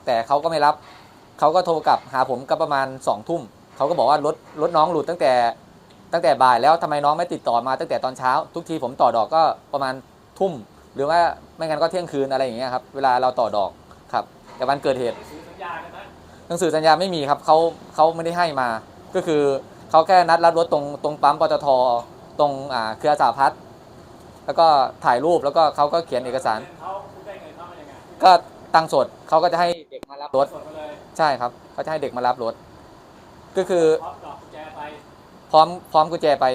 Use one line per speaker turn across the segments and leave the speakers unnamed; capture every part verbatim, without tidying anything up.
แต่เขาก็ไม่รับเขาก็โทรกลับหาผมก็ประมาณสองทุ่มเขาก็บอกว่ารถรถน้องหลุดตั้งแต่ตั้งแต่บ่ายแล้วทำไมน้องไม่ติดต่อมาตั้งแต่ตอนเช้าทุกทีผมต่อดอกก็ประมาณทุ่มหรือว่าไม่งั้นก็เที่ยงคืนอะไรอย่างเงี้ยครับเวลาเราต่อดอกครับแต่วันเกิดเหตุหนังสือสัญญาไม่มีครับเขาเขาไม่ได้ให้มาก็คือเขาแค่นัดรับรถตรงตรงปั๊มปตทตรงอ่าเครือสาพัฒน์แล้วก็ถ่ายรูปแล้วก็เขาก็เขียนเอกสารก็ตังสดเขาก็จะให้เด็กมารับรถใช่ครับเขาจะให้เด็กมารับรถก็คือพร้อมพร้อมกุญแจไป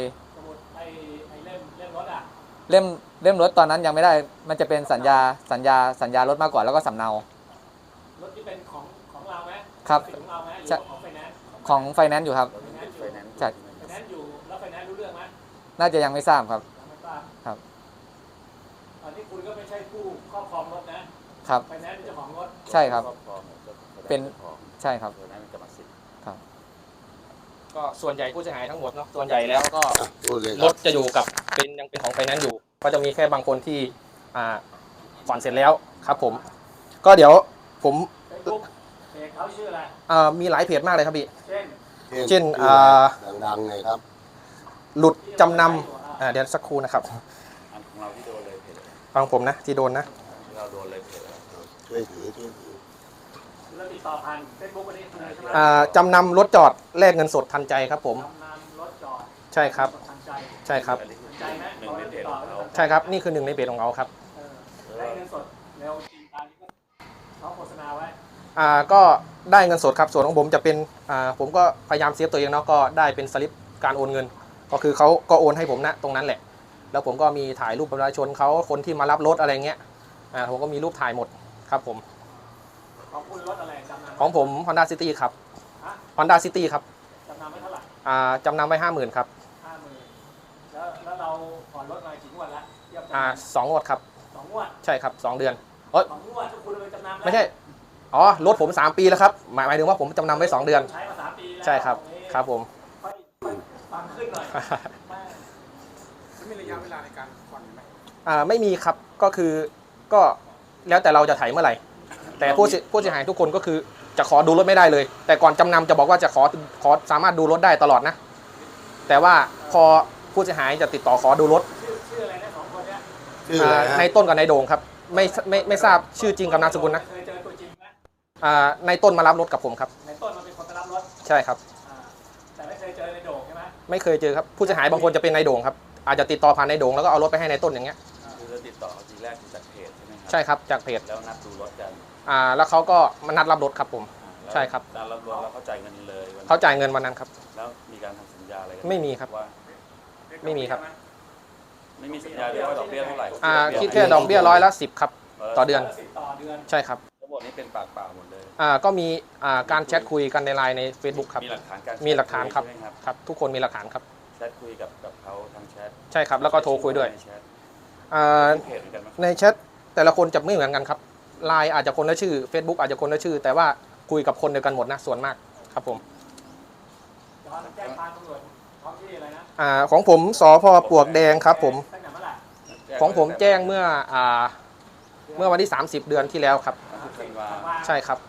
เล่มเล่มรถตอนนั้นยังไม่ได้มันจะเป็นสัญญาสัญญาสัญญารถมากกว่าแล้วก็สำเนารถที่เป็นของของเราไหมครับของเราไหมหรือของไฟแนนซ์ของไฟแนนซ์อยู่ครับใช่ไฟแนนซ์อยู่แล้วไฟแนนซ์รู้เรื่องไหมน่าจะยังไม่ทราบครับครับตอนนี้คุณก็ไม่ใช่ผู้ครอบครองรถนะครับไฟแนนซ์เป็นเจ้าของรถใช่ครับเป็นใช่ครับครับ
ก็ส่วนใหญ่ผู้เสียหายทั้งหมดเนาะส่วนใหญ่แล้วก็รถจะอยู่กับเป็นยังเป็นของไฟแนนซ์อยู่ก็จะมีแค่บางคนที่อ่าผ่อนเสร็จแล้วครับผมก็เดี๋ยวผมเพจเขาชื่ออะไรอ่ามีหลายเพจมากเลยครับพี่เช่นเช่นอ่า
ดังๆไงครับ
หลุดจำนำอ่าเดี๋ยวสักครู่นะครับ
ของเราที่โดนเลยเพจ
ฟังผมนะที่โดนนะ
เราโดนเลยเพจช่วยถือช่วยถือ
แล้วติดต่อผ่านเฟซบุ๊กวันนี้ใช่ไหมอ่าจำนำรถจอดแลกเงินสดทันใจครับผมจำนำรถจอดใช่ครับใช่ครับใช่ครับนี่คือหนึ่งในเพจของเราครับได้เงินสดแล้วจริงตามที่เขาโฆษณาไว้อ่าก็ได้เงินสดครับส่วนของผมจะเป็นอ่าผมก็พยายามเซฟตัวเองเนาะก็ได้เป็นสลิปการโอนเงินก็คือเขาก็โอนให้ผมนะตรงนั้นแหละแล้วผมก็มีถ่ายรูปประชาชนเขาคนที่มารับรถอะไรเงี้ยอ่าผมก็มีรูปถ่ายหมดครับผมของคุณรถอะไรจำนำของผม Honda City ครับ Honda City ครับจำนำไว้เท่าไหร่อ่าจำนำไว้ห้าหมื่นครับห้าหมื่นแล้วแล้วเราผ่อนรถมากี่งวดละอ่าสองงวดครับสองงวดใช่ครับสองเดือนเอ้ยสองงวดทุกคุณไปจำนำไม่ใช่อ๋อรถผมสามปีแล้วครับหมายหมายถึงว่าผมจำนำไว้สองเดือนใช้มาสามปีแล้วใช่ครับครับผมฟังขึ้นหน่อยไม่มีระยะเวลาในการผ่อนไหมอ่าไม่มีครับก็คือก็แล้วแต่เราจะไถเมื่อไหร่แต่ผู้ผู้เสียหายทุกคนก็คือจะขอดูรถไม่ได้เลยแต่ก่อนจำนำจะบอกว่าจะขอขอสามารถดูรถได้ตลอดนะแต่ว่าพอผู้เสียหายจะติดต่อขอดูรถชื่ออะไรนะสองคนเนี้ยในต้นกับในโด่งครับไม่ไม่ไม่ทราบชื่อจริงกับนามสกุลนะเคยเจอตัวจริงไหมอ่าในต้นมารับรถกับผมครับในต้นมาเป็นคนมารับรถใช่ครับแต่ไม่เคยเจอในโด่งใช่ไหมไม่เคยเจอครับผู้เสียหายบางคนจะเป็นในโด่งครับอาจจะติดต่อผ่านในโด่งแล้วก็เอารถไปให้ในต้นอย่างเงี้ย
คือเราติดต่อทีแรกจากเพจใช่ไหมครับ
ใช่ครับจากเพจ
แล้วนัดดูรถกัน
อ่าแล้วเขาก็มานัดรับรถครับผมใช่ครับ
นัดรับรถแล้วเขาจ่ายเงินเลย
เขาจ่ายเงินวันนั้นครับ
แล้วมีการทำสัญญาอะไร
ไม่มีครับไม่มีครับ
ไม่มีสัญญาด้วยว่าดอกเบี้ยเท่าไหร่
อ่าคิดแค่ดอกเบี้ยร้อยละสิบครับต่อเดือนใช่ครับ
ทั้งหมดนี้เป็นปากเปล่าหมดเลย
อ่าก็มีอ่าการแชทคุยกันในไลน์ใน Facebook ครับ
มีหลักฐานการ
มีหลักฐานครับครับทุกคนมีหลักฐานครับ
แชทคุยกับกับเขาทางแชท
ใช่ครับแล้วก็โทรคุยด้วยอ่าในแชทแต่ละคนจะไม่เหมือนกันครับไลน์อาจจะคนละชื่อ Facebook อาจจะคนละชื่อแต่ว่าคุยกับคนเดียวกันหมดนะส่วนมากครับผมแจ้งความตำรวจท้องที่อะไรนะอ่าของผมสพ.ปลวกแดงครับผมของผมแจ้งเมื่ออ่าเมื่อวันที่สามสิบเดือนที่แล้วครับใช่ครับ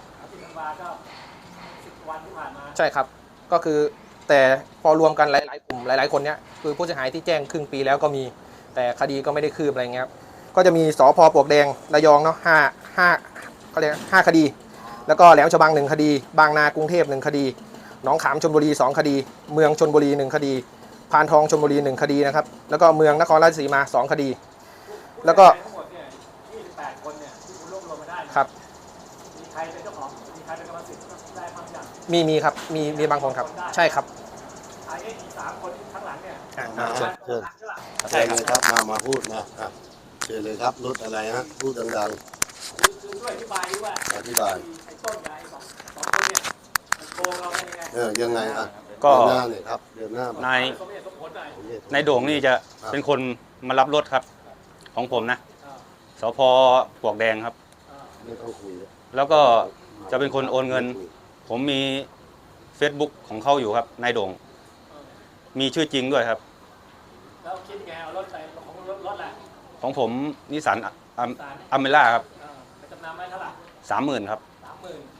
ใช่ครับก็คือแต่พอรวมกันหลายๆกลุ่มหลายๆคนเนี้ยคือผู้เสียหายที่แจ้งครึ่งปีแล้วก็มีแต่คดีก็ไม่ได้คืบอะไรเงี้ยครับก็จะมีสพ.ปลวกแดงระยองเนาะห้าห้าเขาเรียกห้าคดีแล้วก็แหลมฉบังหนึ่งคดีบางนากรุงเทพหนึ่งคดีหนองขามชลบุรีสองคดีเมืองชลบุรีหนึ่งคดีพานทองชลบุรีหนึ่งคดีนะครับแล้วก็เมืองนครราชสีมาสองคดีแล้วก็ครับมีใครเป็นเจ้าของมีใครเป็นกรรมสิทธิ์ได้บ้างอย่างมีมีครับมีมีบางคนครับใช่ครับไอ้สามคนข้างหลังเนี่ย
เชิญเชิญใช่เลยครับมามาพูดนะเชิญเลยครับรถอะไรฮะพูดดังๆ
คือช่วยอธิบายว่า
อธิบาย
ไอ้ต้นกับไอ้สองสองคนเนี่ยโกงเราเป็นยังไง
เออยังไงอ่ะ
ก็
หน้าเนี่ยครับเดินหน้าน
ายนายโด่งนี่จะเป็นคนมารับรถครับของผมนะสพ.ปลวกแดงครับ
ไม่ต้องคุย
แล้วก็จะเป็นคนโอนเงินผมมี Facebook ของเขาอยู่ครับนายโด่งมีชื่อจริงด้วยครับ
แล้วคิดยังไงเอารถไปของรถรถอะไร
ของผมนิสสันอเมร่าครับ
จำนำไว้เท่าไหร่
สามหมื่นครับ
สาม
หมื่น